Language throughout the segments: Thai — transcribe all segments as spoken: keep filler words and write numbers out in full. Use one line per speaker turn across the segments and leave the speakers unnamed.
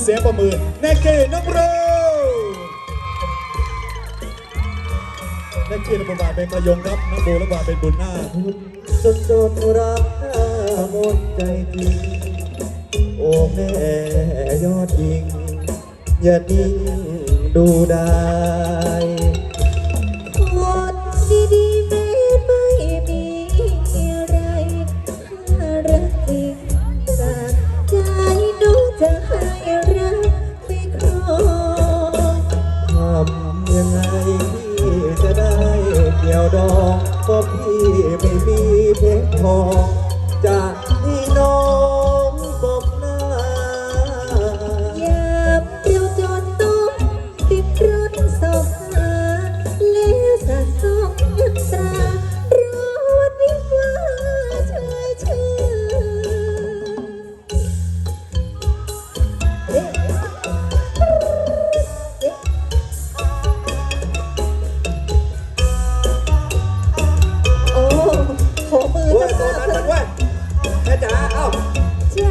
เสียงประมือแนกเกน้องโรแนกเกรับบาเป็นประยงครับน้องโบรับบาเป็นบุญนา
จนจนรักหมดใจจริงโอ้แม่ยอดหญิงอย่านิ่งดูได้
คนดีๆแม้ไม่มีอะไรถ้ารักจริงจากใจหนูจะให้รักไม่ครอง
ทำยังไงพี่จะได้เกี่ยวดองก็พี่ไม่มีเพชรทองจะให้น้องบอกหน้า
อย่าเปรี้ยวจนต้องติดรถสอบหาแล้วสะสมเงินตรารอวันวิวาเชยชื่อเอ๊ะเอ๊ะโอ้ขอมือ
เว้ย
จะ
ตัว
มา
นั้นมันเว้ยแม่จ๋าเอ้า
เชื่อ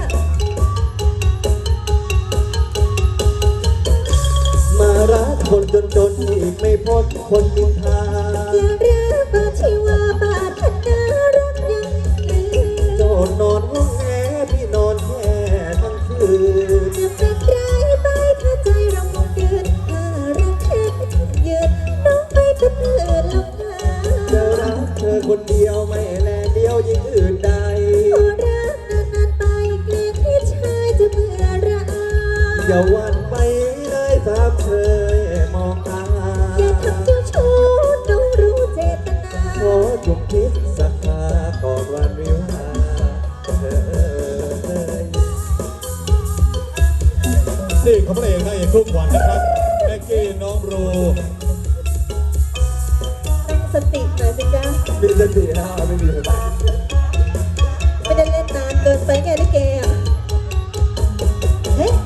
มารักคนจนจนอีกไม่พ้นคนนินทา
อย่ารักบาชีวาบาดพันนารักยังยืน
โจนนอนห้องแอพี่นอนแค่ทั้งคืน
จะเป็นไรไปถ้าใจเราคงเกินถ้ารักแค่ยืนน้องไปเป็นเพื่อนลำพา
จะรักเธอคนเดียวไม่แลเดียวยิ่งอื่นใด
ขอรักนานๆไปเกลียดที่ชายจะเบื่อระอา
อย่าหวั่นไปเลยสามเธอมองตา
อย่าทำเจ้าชู้น้องรู้เจตนา
ขอจุกคิดสักคาก่อนวันวิวาเธอ
นี่เขาพระเอกนางเอกทุกวันนะครับแนกเกน้องโร
ตั้งสติหน่อยสิจ๊ะ
มีสตินะไม่มีสติ
ไม่ได้เล่นนานเกินไปไงลิเกอ่ะเฮ้ย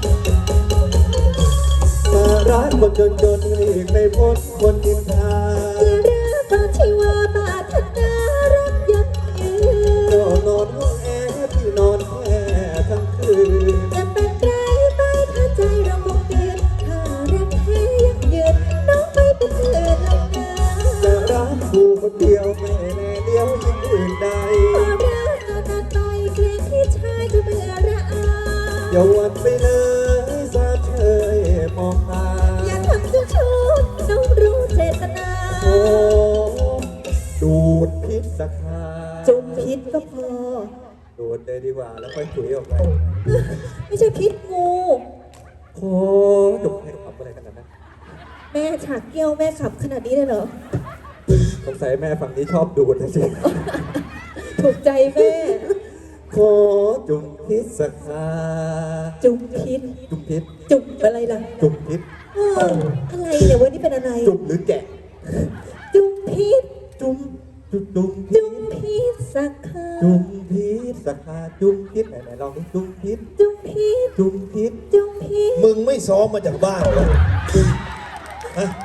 มารักคนจนจนอีกไม่พ้นคนนินทา
อย่ารักบาชีวาบาดพันนารักยังยืน
นอนนอนห้องแอร์พี่นอนแค่ทั้งคืน
จะเป็นไรไปถ้าใจเราคงเกินถ้ารักแท้ยังยืนน้องไปเป็นเพื่อนลำนา
จะรักกูคนเดียวไม่แน่เดียวยิ่งอื่นใด
ขอรักนานๆไปเกรงที่ชายจะเบื่อระอา
อย่าหวั่นไปเลยสาเธอมองตา
อย่าทำเจ้าชู้น้องรู้เจตนา
โอ้ดูดพิษสักคา
จุ่มพิษก็พอ
ดูดเลยดีกว่าแล้วค่อยถุยออกไป
ไม่ใช่พิษงู
โอ้จุกให้ขับอะไรขนาดนั้น
แม่ฉากเกี้ยวแม่ขับขนาดนี้เลยเหรอ
สงสัยแม่ฝั่งนี้ชอบดูดนะสิ
ถูกใจแม่
ขอจุ่มพิษสักคา
จุ่มพิษ
จุ่มพิษ
จุ่มอะไรล่ะ
จุ่มพิษ
อะไรเนี่ยวันนี้เป็นอะไร
จุ่มหรือแกะ
จุ่มพิษ
จุ่มจุ่มจุ่ม
จุ่มพิษสักคา
จุ่มพิษสักคาจุ่มพิษไหนไหนลองดิจุ่มพิษ
จุ่มพิษ
จุ่มพิษ
จุ่มพิษ
มึงไม่ซ้อมมาจากบ้านเหรอฮะ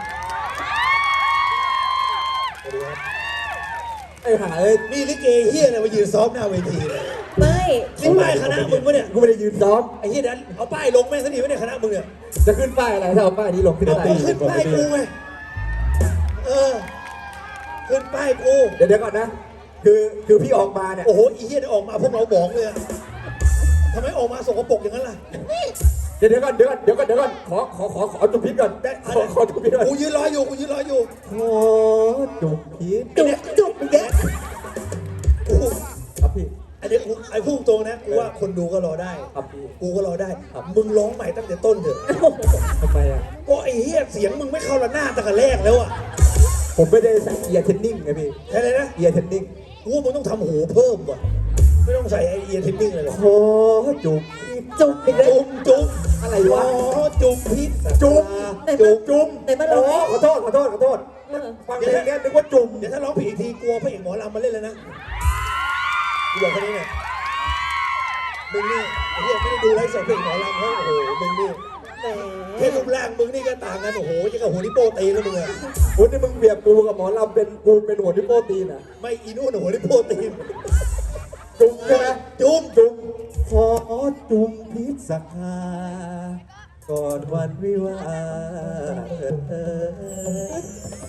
ไอ้หาเอ้ย
นี่ลิเกเฮียอะไรมายืนซ้อมหน้าเวทีเลย
ไม่
ขึ้นป้ายคณะมึงปะเนี่ย
กูไม่ได้ยืนซ้อม
ไอ้เฮียนั้นเอาป้ายลงแม่งสนิทวะเนี่ยคณะมึงเนี่ย
จะขึ้นป้ายอะไรถ้าเอาป้ายนี้ลงขึ้น
ป้ายขึ้นป้ายกูไงเออขึ้นป้ายกู
เดี๋ยวเดี๋ยวก่อนนะคือคือพี่ออกมาเนี่ย
โอ้โหไอ้เฮียออกมาพวกเราบอกเลยทำไมออกมาสกปรกอย่างนั้นล่ะ
เดี๋ยวเดี๋ยวก่อนเดี๋ยวก่อนเดี๋ยวก่อนเดี๋ยวก่อนขอขอขอขอจุ่มพิษก่อนขอขอจุ่มพิษก่อน
กูยืนรออยู่กูยืนรออยู่
ขอจุ่มพิษ
จุ่มจุ่มแก
กู
ครับพี่
อันนี้กูไอ้พุ่งตรงนะกูว่าคนดูก็รอได้
ครับพี่
กูก็รอได้มึงร้องใหม่ตั้งแต่ต้นเถอะ
ทำไมอ่ะ
ก็ไอ้เหี้ยเสียงมึงไม่เข้าละหน้าตั้งแต่แรกแล้วอ่ะ
ผมไม่ได้ใส่เอียร์เทนนิ่งไงพี่
ใช่เลยนะ
เอียร์เทนนิ่ง
กูว่ามึงต้องทำหูเพิ่มว่ะไม่ต้องใส่ไอเอียร์เทนนิ่งเลยหรอก
ขอจุ่ม
จุ่ม
จุ่มจุ่ม
อะไรวะ
จุ่มพิษ
จุ่มจุ่มจุ่ม
ไหนมาลอง
ขอโทษขอโทษขอโทษฟังเพลงนี้นึกว่าจุ่ม
เดี๋ยวถ้าร้องผิดอีกทีกลัวพระเอกหมอลำมาเล่นเลยนะกูบอกแค่นี้เนี่ยมึงนี่ไอ้เหี้ยไม่ได้ดูไลฟ์สดเพลงหมอลำเขาโอ้โหมึงนี่แค่รูปร่างมึงนี่ก็ต่างกันโอ้โหจะกับหัวนิโป้ตีแล้วมึงอะ
โอ้นี่มึงเปรียบกูกับหมอลำเป็นกูเป็นหัวนิโป้ตีน่ะ
ไม่อีนู่นหัวนิโป้ตี
จุ่มใช่ไหม
จุ่ม
จุ่มขอจุ่มพิษสักคาก่อนวันวิวาห์เถิดเถิด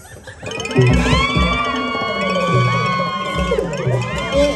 นี่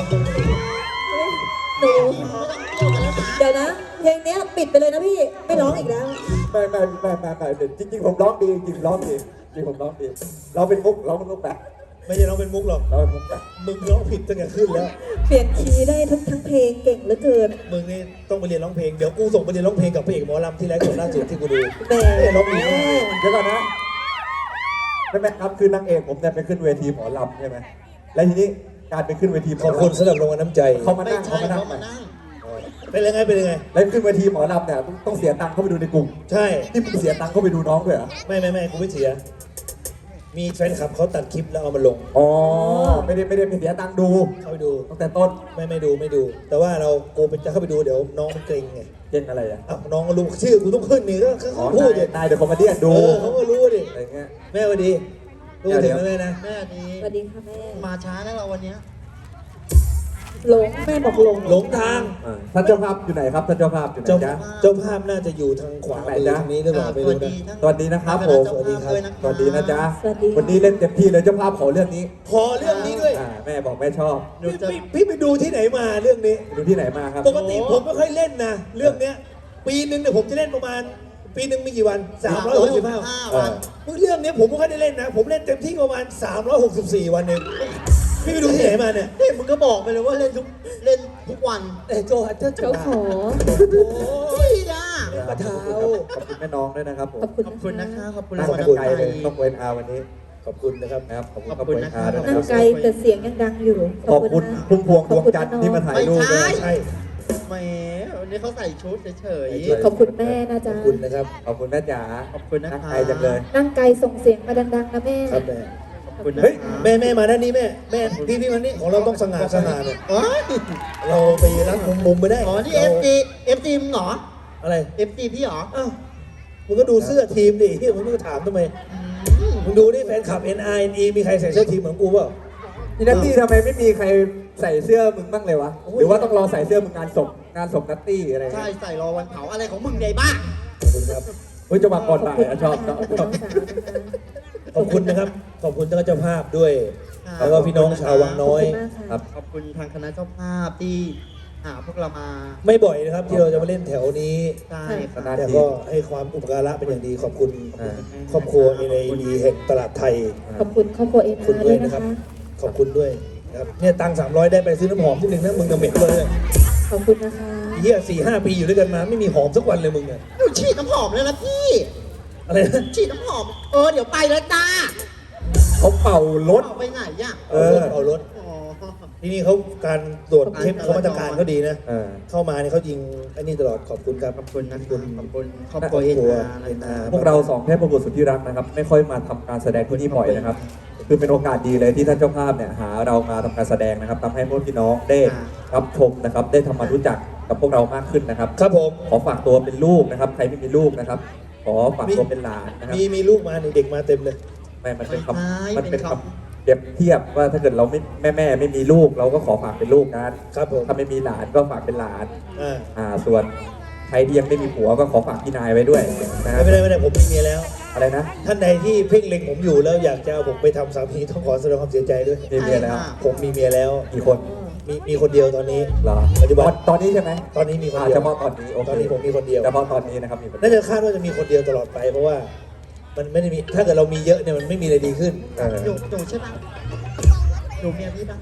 หนู
ไม่ต้องเกี่ยวกันแล้วนะ
เดี๋ยวนะ เพลงเนี้ยปิดไปเลยนะพี่ ไม่ร้องอีกแล้ว
ไม่ไม่ไม่ไม่ไม่จริงจริงๆผมร้องดีจริงๆร้องดีจริงๆผมร้องดีเราเป็นมุกร้องเป็นมุกแบบ
ไม่ใช่ร้องเป็นมุกหรอก
เราเป็นมุกแบบ
มึงร้องผิดตั้งแต่ขึ้นแล้ว
เปลี่ยนคีย์ได้ทั้งทั้งเพลงเก่งเหลือเกิน
มึงนี่ต้องไปเรียนร้องเพลง เดี๋ยวกูส่งไปเรียนร้องเพลงกับพระเอกหมอลำที่ไลฟ์สดล่าสุดที่กูดู
แหม
เอ้ยร้องดีมาก
เดี๋ยวก่อนนะไม่แม่ครับคือนางเอกผมเนี่ยไปขึ้นเวทีหมอลำใช่ไหมแล้วทีนี้การไปขึ้นเวทีหม
ข
อ
อบ
ลำ
คุณสำหรับรางวัลน้ำใจ
เขามา
ไม่
นั่ง
ใช่
เขามานั่ง
เขามานั่ง
เป็นยังไงเป็นยังไง
แล้วขึ้นเวทีหมอลำเนี่ยต้องต้องเสียตังค์เข้าไปดูในกลุ่ม
ใช่
นี่มึงเสียตังค์เข้าไปดูน้องด้วยเหรอ
ไม่ไม่ไม่กูไม่เสีย มีแฟนคลับเขาตัดคลิปแล้วเอามาลง
อ๋อไม่ได้ไม่ได้ไม่เสียตังค์ดู
เข้าไปดู
ตั้งแต่ต้น
ไม่ไม่ดูไม่ดู แต่ว่าเรากูเป็นจะเข้าไปดูเดี๋ยวน้องมันเกรงไง
เก่งอะไรอ่ะ
อ้าวน้องก็รู้ชื่อกูต้องขึ้นนี่ก็เขา
อ๋อ
พูดดิ
นายนายเดี๋ยวคอมเมดี้
เอ
ดู
อเขาก็รู้ดิ
อะไรเงี้ย
แม่สวัสดีรู้ถึงไหมแม่นะ
แม่นี้
สวัสดีค่ะแม่
มาช้านะเราวันเนี้ย
หลงแม่บอกหลง
หลงทาง
อ่าท่านเจ้าภาพอยู่ไหนครับท่านเจ้าภาพอยู่ไหน
เจ้า
จ๊ะ
เจ้าภาพน่าจะอยู่ทางขวามือทางนี้หรือเปล่าไม่
สวั
รู้
ส
นะ
ดีทั้ง
สวัสดีนะครับผม
สวัสดีครับ
สวัสดีนะจ๊ะ
สวัสดีค่ะ
วันนี้เล่นเต็มที่เลยเจ้าภาพขอเรื่องนี้
ขอเรื่องนี้ด้วย
อ่าแม่บอกแม่ชอบ
หนู
พี่
จะ
พี่พี่ไปดูที่ไหนมาเรื่องนี้
ดูที่ไหนมาครับ
ปกติผมไม่ค่อยเล่นนะ เรื่องเนี้ย ปีหนึ่งเนี่ยผมจะเล่นประมาณ ปีหนึ่งมีกี่วันสามร้อยหกสิบห้า
ห้า
เอ
วั
อน
มึงเรื่องเนี้ยผมไม่ค่อยได้เล่นนะ ผมเล่นเต็มที่ประมาณสามร้อยหกสิบสี่วันเองพี่ไปดูที่ไหนมาเนี่ย
นี่มึงก็บอกไปเลยว่าเล่นทุกเล่นทุกวัน
เอ้ยโจฮัตเตอร์
เขาขอ
โอ้ยจ้า
ประเท้า
ขอบคุณแม่น้องด้วยนะครับผม
ขอบคุณ
ขอบคุณนะคะขอบคุณ
นั่
ราง งวัล
กัน
น้ำ
ไกล
ใจ
เลยต้องเวนอาวันนี้
ขอบคุณนะครับ
นะครับขอบคุณ
ข
ข
อ
อ
บบ คุ
คุณ ณ
นะ
นะครับ ด้วย
นั่
นะ
ง
ค
ไกล
รับ
แต่เสียงยังดังอยู่
ขอบคุณ
นะ
พุ่มพวงดวง
ขอบคุณ
จันทร์
น้อง
ที่มาถ่ายรูปด้วย
ใช่
แหมวันนี้เขาใส่ชุดเฉย
ใช่
ขอบคุณแม่นะ
ข
จ๊ะ
อบคุณนะครับ
ขอบคุณแม่จ๋า
ๆขอบคุณนะ
นั่ง
คะ
ไกลจังเลย
นั่งไกลส่งเสียงมาดังๆนะแม่
ครับแม่
ขอบคุณนะ
เฮ้ย
คะ
แม่แม่มาด้านนี้แม่แม่พี่พี่มานี่ของเราต้องสง่าสง่าเนี่ย
อ๋อ
เราไปรับมุมมุมไม่ได้
อ๋อนี่เอฟซีเอฟซีมึงเหรอ
อะไร
เอฟซีพี่เหรอ
อ้าวมึงก็ดูเสื้อทีมดิเฮียมึงก็ถามทำไม
อืม
มึงดูนี่แฟนคลับ เอ็น ไอ เอ็น อี มีใครใส่เสื้อทีมเหมือนกูเปล่า
นี่นัตตี้ทำไมไม่มีใครใส่เสื้อมึงบ้างเลยวะ
โอ้ย
หรือว่าต้องรอใส่เสื้อมึงงานศพงานศพนัตตี้อะไร
ใช่
เงี้ย
ใส่รอวันเผาอะไรของมึงใหญ่บ้า
ขอบคุณครับ
เฮ้ยจะมาก่อนบ่ายอะชอบชอบ
ขอบคุณ
ชอบ
น้องสาวนะคะ
ขอบคุณนะครับ ขอบคุณท่านเจ้าภาพด้วย
ครับ
แล้วก็พี่น้องชาววังน้อย
ขอบคุณมากค่ะ
ครับ
ขอบคุณทางคณะเจ้าภาพที่หาพวกเรามา
ไม่บ่อยนะครับที่เราจะมาเล่นแถวนี้
ใช่
ค
ค่ะ
ณะ
แต่ก็ให้ความอุปการะเป็นอย่างดี ขอบคุณ
อ่า
ครอบครัวเอเนดีแห่งตลาดไทย
ขอบคุณครอบครัวเอ็น
ขอบคุณ
อาร์
ด้
ด้
ว
วย ย
นะ
นะ
ครั
คะ
บ ขอบคุณด้วยนะครับเนี่ยตังสามร้อยได้ไปซื้อน้ำหอมที่หนึ่งนะมึงกับเหม็นเลย
ขอบคุณนะคะ
เฮียสี่ห้าปีอยู่ด้วยกันมาไม่มีหอมสักวันเลยมึงเนี่ย
หนูฉีดน้ำหอมเลยนะพี่
อะไรนะ
ฉีดน้ำหอม เออ เดี๋ยวไปแล้วจ้า
เขาเป่ารถ
เอาไปไหนอ่ะ
เอ
เอาร
อ
ถเอารถ
อ๋อ
ที่นี่เขาการตรวจเข้มเขามาตรการเขาดีนะ
เออ
เข้ามาเนี่ยเขายิงไอ้นี่ตลอดขอบคุณครับ
ขอบคุณนะครับขอบคุณครอบ
ค
ค
ร
รั
อ
ว
บ
เอ็น
ครัว
อาร์
เอ็นอาร์
พวกเราสองเทพบุตรสุดที่รักนะครับ ไม่ค่อยมาทำการแสดงที่นี่บ่อยนะครับ คือเป็นโอกาสดีเลยที่ท่านเจ้าภาพเนี่ยหาเรามาทำการแสดงนะครับทำให้พวกพี่น้องได้รับชมนะครับ ได้ทำมารู้จักกับพวกเรามากขึ้นนะครับ
ครับผม
ขอฝากตัวเป็นลูกนะครับ ใครไม่มีลูกนะครับ ขอฝากตัวเป็นหลานนะครับ
มีมีลูกมาเนี่ยเด็กมาเต็มเลย
ไม่มันเป็นค
ไม่ใช่
ำมันเป็น
เป็น
ค
คำ
ำเปรียบเทียบว่าถ้าเกิดเราไม่แม่แม่ไม่มีลูก เราก็ขอฝากเป็นลูกกัน
ครับผม
ถ้าไม่มีหลานก็ฝากเป็นหลาน
อ่า
อ่า ส่วนใครที่ยังไม่มีผัวก็ขอฝากพี่นายไว้ด้วยนะครั
ไม่
บ
เป็นไรไม่เป็นไรผมมีเมียแล้ว
อะไรนะ
ท่านใดที่เพ่งเล็งผมอยู่แล้วอยากจะเอาผมไปทำสามีต้องขอแสดงความเสียใจด้วย
มีเมียแล้ว
ผมมีเมียแล้ว
กี่คน
มีมีคนเดียวตอนนี้
เหรอ
ปัจจุบัน
ตอนตอนนี้ใช่ไหม
ตอนนี้มีคน
อ่า
เดีย
เฉ
ว
พาะตอนนี้โอเค
ตอนนี้ผมมีคนเดียว
เฉพาะตอนนี้นะครับมีคนเดี
น่า
ยว
จะคาดว่าจะมีคนเดียวตลอดไป เพราะว่า มันไม่ได้มีถ้าเกิดเรามีเยอะเนี่ยมันไม่มีอะไรดีขึ้น
เออ
หนูหนูใช่ปะหนูเมียพี่ปะ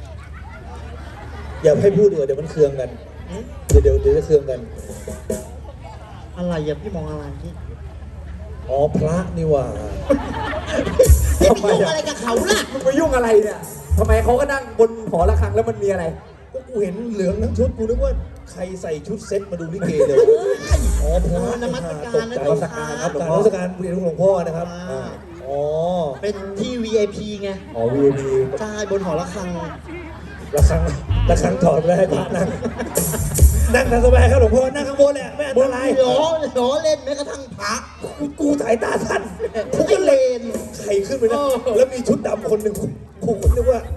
อย่าให้พูดเดี๋ยวเดี๋ยวมันเคืองกัน
หืม
เดี๋ยวเดี๋ยวเดี๋ยวจะเคืองกัน
อะไรอ่ะพี่มองอะไรพี่
อ๋อพระนี่หว่า
พี่ไปยุ่งอะไรกับเขาล่ะ
มึงไปยุ่งอะไรเนี่ยทำไมเขาก็นั่งบนหอระฆังแล้วมันมีอะไร
ก็กูเห็นเหลืองทั้งชุดกูนึกว่าใครใส่ชุดเซ็ตมาดูลิเกเลย อ๋อพระ
นมัสการ
ตก
นะ
ใจ
นมัสการครับ
การนมัสการเรียนหลวงพ่อนะครับ
อ่า
อ๋อ
เป็นที่ วี ไอ พี ไง
อ๋อวีพี
ใช่บนหอระฆัง
ระฆังระฆังถอดไปแล้วให้พระนั่ง นั่งทางสบายครับหลวงพ่อ นั่งข้างบนแหละไม่อันตราย
ล้อล้อเล่นแม้กระทั่งพระ
กูกูสายตาสั้น
ทุกเลน
ใครขึ้นไปนะ
เออ
แล้วมีชุดดำคนหนึ่งกูกูนึกว่าต้อง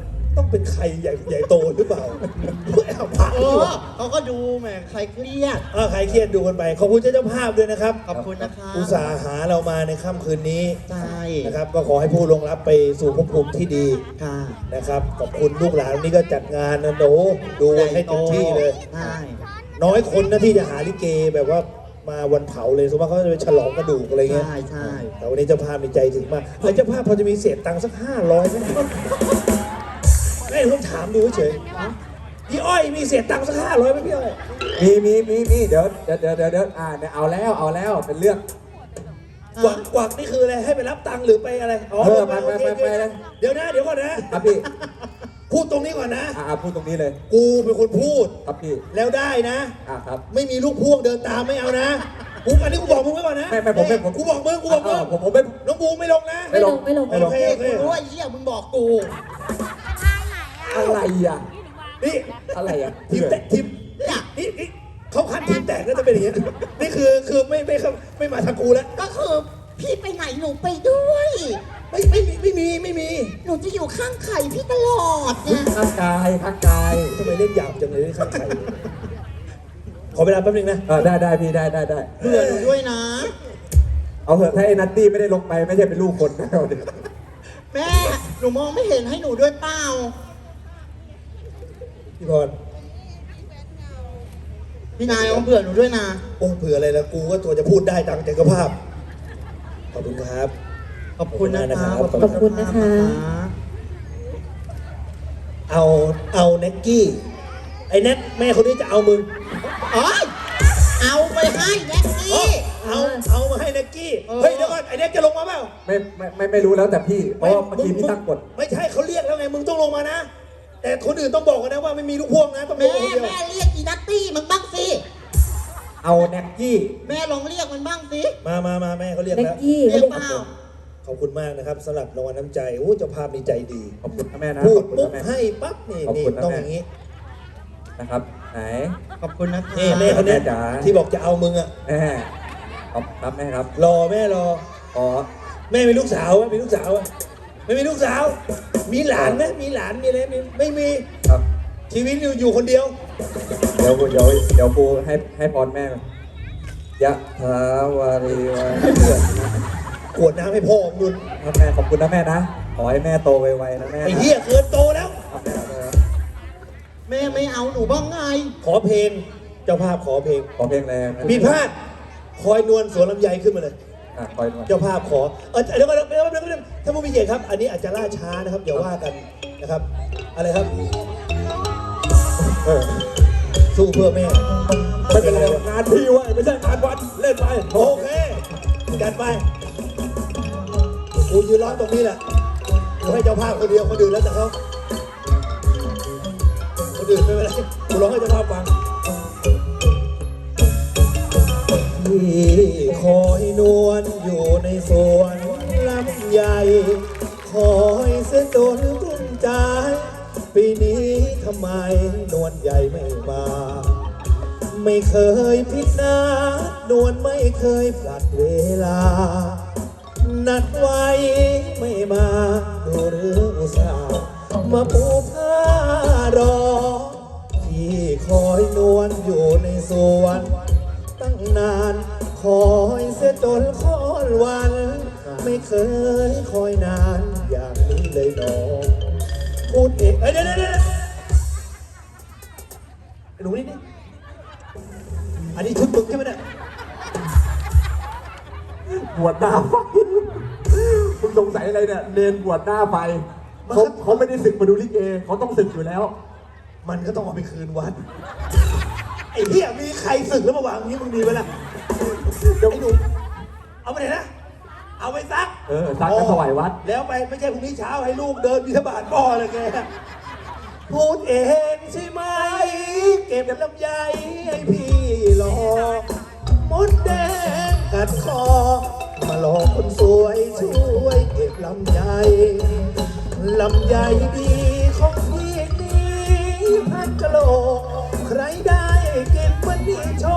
เป็นใครใหญ่ใหญ่โตหรือเปล่าแอบพา
เอ
ดู
อเขาก็ดูแหมใครเครียด
เออใครเครียดดูกันไป ขอบคุณเจ้าภาพด้วยนะครับ
ขอบคุณนะครับ
อุตส่าห์หาเรามาในค่ำคืนนี้
ใช่
นะครับ ก็ขอให้ผู้ลงรับไปสู่ภพภูมิที่ดี
ค่ะ
นะครับ ขอบคุณลูกหลานวันนี้ก็จัดงานนะโดดูให้เต็มที่เลย
ใช่
น้อยคนนะที่จะหาลิเกแบบว่ามาวันเผาเลยสมมติว่าเขาจะไปฉลองกระดูกอะไรเงี้ย
ใช่ใช่
แต่วันนี้เจ้าภาพมีใจถึงมากเฮ้ยเจ้าภาพพอจะมีเศษตังค์สักห้าร้อยไหมไม่ผมถามดูเฉยพี่อ้อยมีเศษตังค์สักห้าร้อยไหมพี่อ้อย
มีมีมีมีเดี๋ยวเดี๋ยวเดี๋ยวเดี๋ยวเดี๋ยวอ่าเนี่ยเอาแล้วเอาแล้วเป็นเรื่อง
กวักกวักนี่คืออะไรให้ไปรับตังค์หรือไปอะไรอ๋อ
เออ
ไป
ไปไป
โอเค
ไป
โอเค
เลย
เดี๋ยวนะเดี๋ยวก่อนนะครับ
พี่
พูดตรงนี้ก่อนนะ
อ่าพูดตรงนี้เลย
กูเป็นคนพูด
ครับพี่
แล้วได้นะ
อ่าครับ
ไม่มีลูกพ่วงเดินตามไม่เอานะกูอันนี้กูบอกมึงไว้ก่อนนะ
ไม่ไม่ผมไม่ผม
กูบอกมึงกูบอกมึง
ผมผมไม่
น้องบูไม่ลงนะ
ไม่ลง
ไม่ลง
โอเคโอเค
กูรู้ว่าไอ้เหี้ยมึงบอกกู
อะไรอ่ะ
นี่
อะไรอ่ะ
ทีมแตกทีม
เนี่ย
นี่นี่เขาคัดทีมแตกก็จะเป็นอย่างนี้นี่คือคือไม่ไม่ไม่ไม่มาทางกูแล้ว
ก็คือพี่ไปไหนหนูไปด้วย
ไม่ไม่มีไม่มีไม่มี
หนูจะอยู่ข้างไข่พี่ตลอดเนี่ย
ข้างกายข้างกาย
ทำไมเล่นหยาบจังเลยข้างใครขอเวลาแป๊บนึงนะ
เออได้ได้พี่ได้ได้ได้
เบื่อหนูด้วยนะ
เอาเถอะถ้าไอ้นัตตี้ไม่ได้ลงไปไม่ใช่เป็นลูกคนนะเอาดิ
แม่หนูมองไม่เห็นให้หนูด้วยเปล่า
พี่พร
พี่นายเอาเบื่อหนูด้วยนะ
โอ้เผื่ออะไรแล้วกูก็ตัวจะพูดได้ตามใจกภาพขอบคุณครับ
ขอบคุณนะคะ
ขอบคุณ
ขอบคุณนะคะ
เอาเอาเน็กกี้ไอ้เน็กแม่คนนี้จะเอามึง
เอ้ยเอาไปให้แน็ก
เอา
กี้
เอาเอามาให้เน็กกี้
เออ
เฮ้ยเดี๋ยวก่อนไอ้เน็กจะลงมาเปล่า
ไม่ไม่ไม่ไม่รู้แล้วแต่พี่เพราะว่าเมื่อกี้พี่ตั้งกฎ
ไม่ใช่เขาเรียกแล้วไงมึงต้องลงมานะ แต่คนอื่นต้องบอกกันนะว่าไม่มีลูกพ่วงนะต้องล
แม่
งคนเดียว
แม่เรียกอีนัตตี้มันบ้างสิ
เอาแน็กกี้
แม่ลองเรียกมันบ้างสิ
มามามาแม่เขาเรียก
เล็ก
แล้ว
กี้
เรียกเปล่า
ขอบคุณมากนะครับสำหรับรางวัลน้ำใจโอ้เจ้าภาพมีใจดี
ขอบคุณนะแม่นะ
พู
ข
ด
อบคุณ
ปุ๊บ
นะแม่
ให้ปั๊บนี่
ขอบ
นี่
คุณนะ
ต้อง
แม่
อย่างนี้
นะครับไหน
ขอบคุณนะคะ
นี่แม่คนเนี้ย
แม่จ๋า
ที่บอกจะเอามึงอะ
แม่ขอบครับแม่ครับ
รอแม่รอ
ขอ
แม่มีลูกสาวไหมมีลูกสาวไหมไม่มีลูกสาว มีหลานไหมมีหลานมีอะไรมีไม่มี
ครับ
ชีวิตอยู่อยู่คนเดียว
เดี๋ยวเดี๋ยวเดี๋ยวครูให้ให้พรแม่ก่อนยะถาวาริวะ
ขวดน้ำให้พ่อของนุน
ครับแม่ขอบคุณนะแม่นะขอให้แม่โตไวๆนะแม่นะ
ไอ้เหี้ยเกินโตแล้ว
ครับแม่ครับ
แม่ไม่เอาหนูบ้างไง
ขอเพลง เจ้าภาพขอเพลง
ขอเพลงแรงนะ
มีพลาดคอยนวลสวนลำไยขึ้นมาเลย
อ่ะคอยหน่อย
เจ้าภาพขอ เออเดี๋ยวก่อนเดี๋ยวก่อนเดี๋ยวก่อนท่านผู้มีเกียรติครับ อันนี้อาจจะล่าช้านะครับอย่าว่ากันนะครับ อะไรครับ
เออ
สู้เพื่อแม่
ไม่เป็นไรงานพี่เว้ยไม่ใช่งานวัดเล่นไป
โอเคจัดไปกูยืนร้อนตรงนี้แหละกูให้เจ้าภาพคนเดียวคนอื่นแล้วแต่เขาคนอื่นไม่เป็นไรกูร้องให้เจ้าภาพฟังที่คอยนวลอยู่ในสวนลำใหญ่ คอยเสียจนกลุ้มใจ ปีนี้ทำไมนวลใหญ่ไม่มา ไม่เคยผิดนัดนวลไม่เคยพลัดเวลา นัดไว้ไม่มาดูหรืออุตส่าห์มาปูผ้ารอ ที่คอยนวลอยู่ในสวนตั้งนานคอยเสียจนค้อนวัน ไม่เคยคอยนานอย่างนี้เลยน้องพูดเองเอ้ยเดี๋ยวเดี๋ยวเดี๋ยวไอ้หนูนี่นี่อันนี้ชุดมึงใช่ไหมเนี่ย
บวชหน้าไฟมึงสงสัยอะไรเนี่ยเนนบวชหน้าไฟเขาเขาไม่ได้ศึกมาดูลิเกเขาต้องศึกอยู่แล้ว
มันก็ต้องเอาไปคืนวัด ไอ้เหี้ยมีใครสึกแล้วมาวางอย่างนี้มึงดีไหมล่ะ
เดี๋ยว
ไอ้หนูเอาไปไหนนะ เอาไปซัก
เออซักกันถวายวัด
แล้วไปไม่ใช่พรุ่งนี้เช้าให้ลูกเดินบิณฑบาตพ่อเลยแกพูดเองใช่ไหม เก็บลำไยให้พี่รอมดแดงกัดคอ มาหลอกคนสวยช่วยเก็บลำไยลำไยดีของพี่นี้พักกะโหลกใครได้กินมันดีชอบ